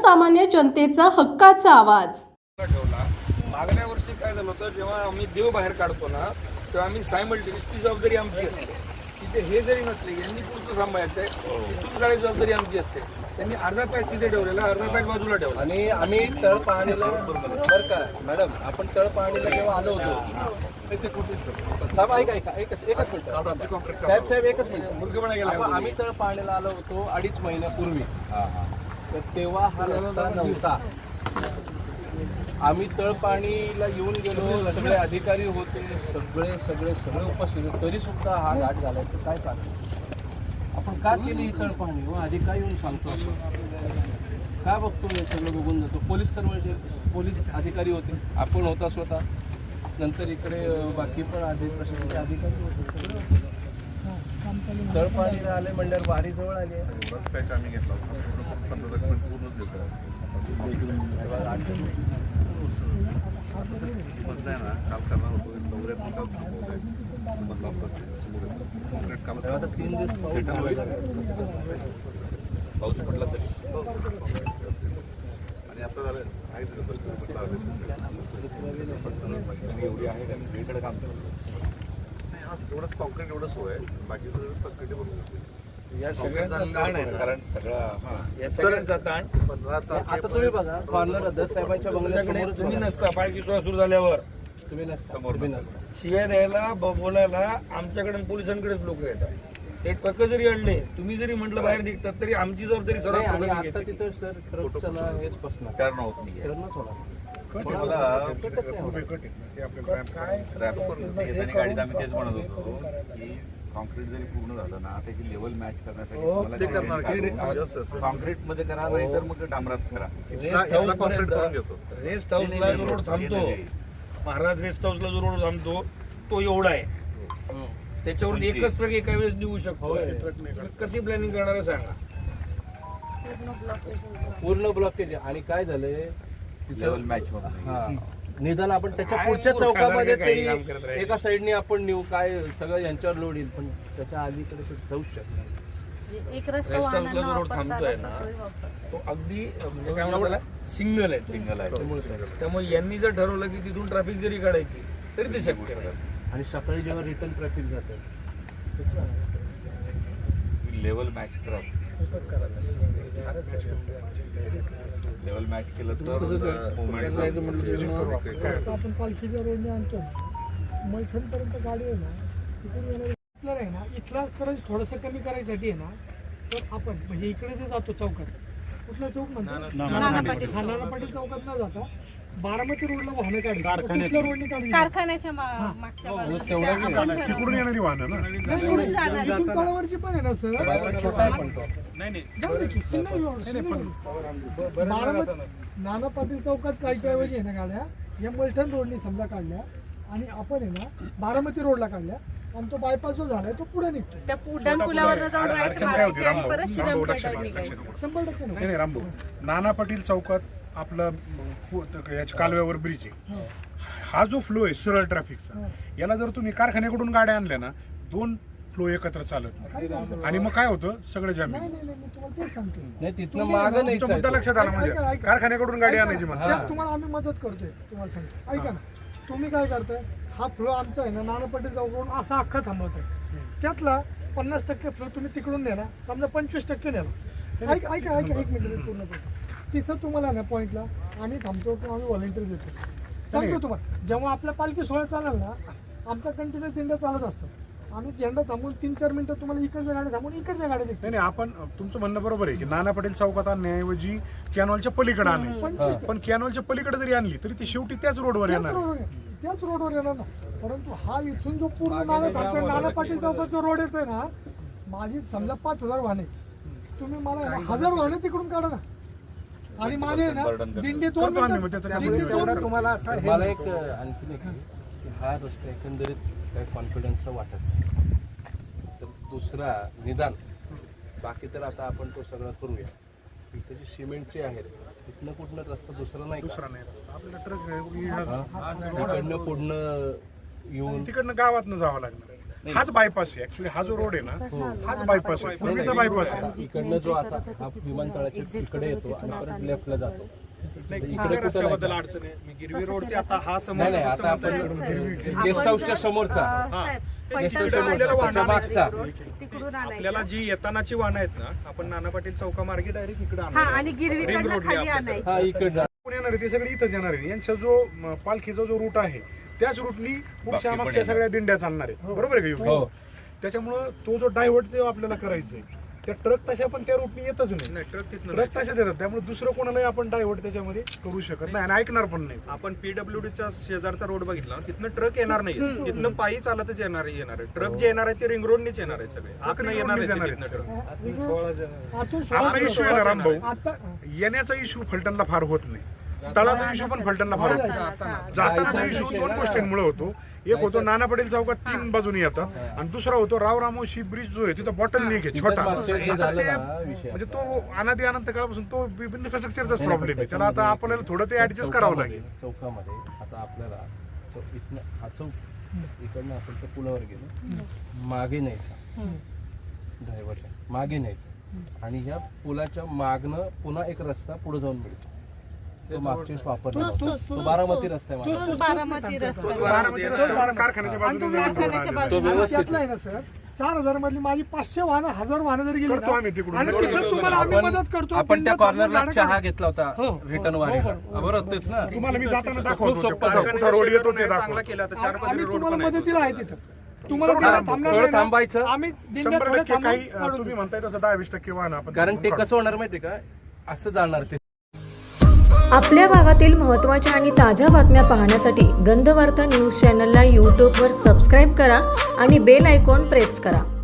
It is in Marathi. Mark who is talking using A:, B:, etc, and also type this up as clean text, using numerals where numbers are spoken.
A: सर्वसामान्य जनतेचा हक्काचा आवाज.
B: ठेवला. मागल्या वर्षी काय झालं होतं, जेव्हा आम्ही देव बाहेर काढतो ना तेव्हा आम्ही सायमल्टेनियस ती जबाबदारी आमची असते. तिथे हे जरी नसले यांनी पुढचं सांभाळायचं आहे, तिथून काढायची जबाबदारी आमची असते. त्यांनी अर्धा पॅच तिथे ठेवलेला, अर्धा पॅच बाजूला ठेवला.
C: आणि आम्ही तळ पाहणीला बरं का मॅडम, आपण तळ पाहणीला जेव्हा आलो होतो साहेब एकच मिनिट साहेब एकच मिनिट
B: मूर्खपणा गेला.
C: आम्ही तळ पाहणीला आलो होतो 2.5 महिन्यापूर्वी. तर तेव्हा हा रस्ता नव्हता. आम्ही तळपाणीला येऊन गेलो, सगळे अधिकारी होते, सगळे उपस्थित होते, तरी सुद्धा हा घाट घालायचं काय कारण? आपण का केली ही तळपाणी? व अधिकारी येऊन सांगतो का बघतो हे सगळं बघून जातो. पोलीस अधिकारी होते, आपण होता स्वतः, नंतर इकडे बाकी पण प्रशासनाचे अधिकारी होते, सगळं होते. तळपाणीला आले म्हणल्यावर वारी जवळ आली आहे.
D: पॅच आम्ही घेतला होता, 15 पूर्णच देतो. आता सर मधलं आहे ना, काल करणार होतो दौऱ्यात काल थांबवलंय मधला समोर कॉन्क्रीट काल
C: 3 दिवस
B: पाऊस पडला तरी
D: आणि आता झालं आहे
B: एवढी आहे का वेगळं काम
D: नाही, हा एवढंच कॉन्क्रीट एवढं सोय आहे, बाकी सगळं कॉन्क्रीट बनवून होते.
B: या सगळ्यांचा ताण आहे, कारण या सगळ्यांचा ताण.
D: 15
C: आता तुम्ही बघा कॉर्नर दस साहेबांच्या बंगल्यासमोर
B: तुम्ही नसता, पालखी सोहळा सुरू झाल्यावर
C: तुम्ही नसता.
B: शिव्या द्यायला बोलायला आमच्याकडे पोलिसांकडेच लोक येतात. ते ट्रक जरी आणले, तुम्ही जरी म्हटलं बाहेर निघतात, तरी आमची जबाबदारी
C: नाही, आणि
B: सर्वात
C: आता तिथं सर ट्रकचा हेच बसणार,
B: टर्न होत नाही.
C: टर्नच होणार.
E: गाडीत आम्ही तेच म्हणत होतो की कॉन्क्रीट जरी पूर्ण झालं ना, त्याची लेवल मॅच
D: ते
E: करण्यासाठी
D: करणार
E: कॉन्क्रीट मध्ये करा, नाही तर मग डांबरात करा.
D: कॉन्क्रीट करून घेतो.
B: रेस्ट हाऊसला जो रोड थांबतो, महाराज रेस्ट हाऊसला जो रोड थांबतो तो एवढा आहे. त्याच्यावर एकच ट्रक एका वेळेस निघू शकतो. कशी प्लॅनिंग करणार सांगा?
C: पूर्ण ब्लॉकेज. आणि काय झालंय
E: लेवल मॅच होत
C: हा, निदान आपण त्याच्या पुढच्या चौकामध्ये तरी एका साईडने आपण नेऊ, काय सगळं यांच्यावर लोड येईल, पण त्याच्या अलीकडे तर जाऊच शकत नाही.
F: एक
B: रेस्ट
F: रस्ता
B: हाऊसला जो रोड थांबतोय ना तो अगदी म्हणजे काय म्हणतात सिंगल आहे. त्यामुळे यांनी जर ठरवलं की तिथून ट्रॅफिक जरी काढायची तरी ते शक्य आहे.
C: आणि सकाळी जेव्हा रिटर्न ट्रॅफिक जातं
E: लेवल मॅच करा. लेवल मॅच केलं तर मुवमेंट
G: आपण पालखीच्या रोडने आणतो, मैथनपर्यंत गाडी आहे ना, तिकडून येणार आहे ना, इथला खरंच थोडंसं कमी करायसाठी आहे ना, तर आपण म्हणजे इकडे जे जातो चौकात, कुठला चौक म्हणतो, नाना पाटील चौकात न जाता बारामती रोडला वाहनं काढली, कुठल्या रोडने काढली,
F: कारखान्याच्या मागच्या बाजूला
D: तिकडून येणारी वाहनं ना,
G: इथून तळावरची पण आहे ना sir, single road. Nana Patil चौकात काढच्या ऐवजी आहे ना गाड्या या मलठण रोडने समजा काढल्या आणि आपण आहे ना बारामती रोडला काढल्या, आणि तो बायपास जो झालाय तो पुढे निघतो.
F: त्या पुढान पुलावर जाऊन राईट मारायची आणि परत श्रीरामपेठात निघायचं.
G: 100%
H: नाही रामभाऊ, नाना पाटील चौकात आपलं याच्या कालव्यावर ब्रिज आहे, हा जो फ्लो आहे सरळ ट्रॅफिकचा, याला जर तुम्ही कारखान्याकडून गाड्या आणल्या ना, 2 फ्लो एकत्र चालत नाही, आणि मग काय होतं सगळं जामीन.
G: नाही मी तुम्हाला तेच सांगतो.
C: नाही, तिथनं मागं नाही
H: मुद्दा लक्षात आला म्हणजे कारखान्याकडून गाडी आणायची म्हणा.
G: त्यात तुम्हाला आम्ही मदत करतोय. तुम्हाला सांगतो, ऐका ना, तुम्ही काय करताय, हा फ्लो आमचा आहे ना नाना पाटील चौकाकडून असा अख्खा थांबवतोय, त्यातला 50% फ्लो तुम्ही तिकडून नेला, समजा 25% नेला. ऐका 1 मिनिट पूर्ण करतो. तिथं तुम्हाला ना पॉईंटला आम्ही थांबतो किंवा आम्ही व्हॉलेंटियर देतो. सांगतो तुम्हाला, जेव्हा आपला पालखी सोहळा चालेल ना, आमचा कंटिन्युअस दिंड्या चालत असतात. आम्ही झेंडा थांबून 3-4 मिनिटं तुम्हाला इकडच्या गाड्या थांबून इकडच्या गाड्या निघतो.
H: नाही, आपण तुमचं म्हणणं बरोबर आहे की नाना पाटील चौकात आणण्याऐवजी कॅनॉलच्या पलीकडे आणायची, पण कॅनॉलच्या पलीकडे जरी आणली तरी ती शेवटी त्याच रोडवर येणार.
G: त्याच रोडवर येणार ना. परंतु हा इथून जो पूर्ण नाना पाटील चौकात जो रोड येतोय ना, माझी समजा 5000 वाहने, तुम्ही मला 1000 वाहने तिकडून काढा ना, आणि माझे ना दिंडी 2 मिनिटं.
C: तुम्हाला असं मला एक आणखीन एक की हा रस्ता एकंदरीत काही कॉन्फिडन्सचा वाटत नाही. तर दुसरा निदान बाकी तर आता आपण तो सगळं करूया. इथे जी सिमेंटची आहे तिथनं कुठनं रस्ता दुसरा नाही
H: आपल्याला ट्रक
C: तिकडनं पुढनं येऊन
H: तिकडनं गावातनं जावं लागणार. हाच बायपास आहे. ऍक्च्युली हा जो रोड आहे ना हाच बायपास आहे, पूर्वीचा बायपास आहे.
C: इकडनं जो आता हा विमानतळाच्या इकडे येतो आणि परत लेफ्टला जातो. इकडे कुठं नाही.
I: अडचण आहे. गिरवी रोड ते आता हा
C: नाही नाही, आता आपण गेस्ट हाऊसच्या समोरचा गेस्ट हाऊसच्या समोरचा मागचा
F: तिकडून आणायचं.
I: आपल्याला जी येतानाची वाहनं आहेत ना, आपण नाना पाटील चौकामार्गे डायरेक्ट इकडे
F: हा आणि गिरवीकडनं खाली आणायचं.
C: हा इकडं
H: कोण येणार आहे ते सगळे इथंच येणार आहे. यांचा जो पालखीचा जो रूट आहे त्याच रूटनी पुढच्या मागच्या सगळ्या दिंड्या चालणार आहे. बरोबर आहे का?
C: हो.
H: त्याच्यामुळं तो जो डायव्हर्ट जो आपल्याला करायचा आहे त्या ट्रक तशा पण त्या रूटनी येतच नाही. ट्रक तशाच येतात. त्यामुळे दुसरं कोणालाही आपण डायव्हर्ट त्याच्यामध्ये करू शकत नाही आणि ऐकणार पण नाही.
I: आपण पीडब्ल्यूडीचा शेजारचा रोड बघितला, तिथनं ट्रक येणार नाही, तिथनं पायी चालतच येणार आहे. ट्रक जे येणार आहे ते रिंग रोडनीच येणार आहे. सगळे आत नाही येणार आहे तिथनं ट्रक.
G: आतून
H: आपला इश्यू आहे ना रामभाऊ,
G: आता
H: येण्याचा इश्यू फलटणला फार होत नाही. तळाचा इश्यू पण फलटणला फार होतो. जातानाचा इश्यू 2 गोष्टींमुळे होतो. एक होतो नाना पटेल चौकात 3 बाजूने येतात आणि दुसरा होतो रामोशी ब्रिज जो आहे तिथं बॉटल नेक आहे छोटा. म्हणजे तो अनादी अनंत काळापासून तो इन्फ्रास्ट्रक्चरचाच प्रॉब्लेम आहे. त्याला आता आपल्याला थोडं ते ऍडजस्ट करावं लागेल.
C: चौकामध्ये आता आपल्याला इथनं हा चौक इकडनं आपण त्या पुलावर गेलो, मागे न्यायचा ड्रायव्हरला, मागे न्यायचा आणि ह्या पुलाच्या मागनं पुन्हा एक रस्ता पुढे जाऊन मिळतो. तो मागच्या वेळेस वापरला तो बारामती रस्ता आहे माझा.
F: तोच बारामती रस्ता.
H: बारामती रस्ता कारखान्याच्या बाजूने
C: तो व्यवस्थित
G: त्यातला आहे ना सर, 4000 मधली माझी 500 वाहनं 1000 वाहनं जरी गेली
H: करतो आम्ही तिकडून.
G: आणि तिथं तुम्हाला आम्ही मदत करतो.
C: आपण त्या कॉर्नरला चहा घेतला होता
G: हो.
C: रिटर्न वारीला. बरोबर तेच ना.
H: तुम्हाला मी जाताना
C: खूप
H: दाखवतो
C: सोपं
H: कुठं रोड येतो ते
I: चांगला
H: दाखवतो.
I: केला तर 4 पदरी
G: आम्ही
I: रोड
G: तुम्हाला
I: पण आहे.
G: मदतीला आहे तिथं. तुम्हाला तिथं थांबणार
C: थोडं
G: नाही ना.
C: थांबायचं.
G: आम्ही दिंड्या
H: 100%
G: थोड्या
H: काही
G: थांबून
H: तुम्ही म्हणताय तसं 10-20% वाहन आपण
C: कारण ते कसं होणार माहितीये का, असं जाणार ते.
J: आपल्या भागातील महत्त्वाच्या आणि ताज्या बातम्या पाहण्यासाठी गंधवार्ता न्यूज चॅनलला यूट्यूबवर सबस्क्राईब करा आणि बेल आयकॉन प्रेस करा.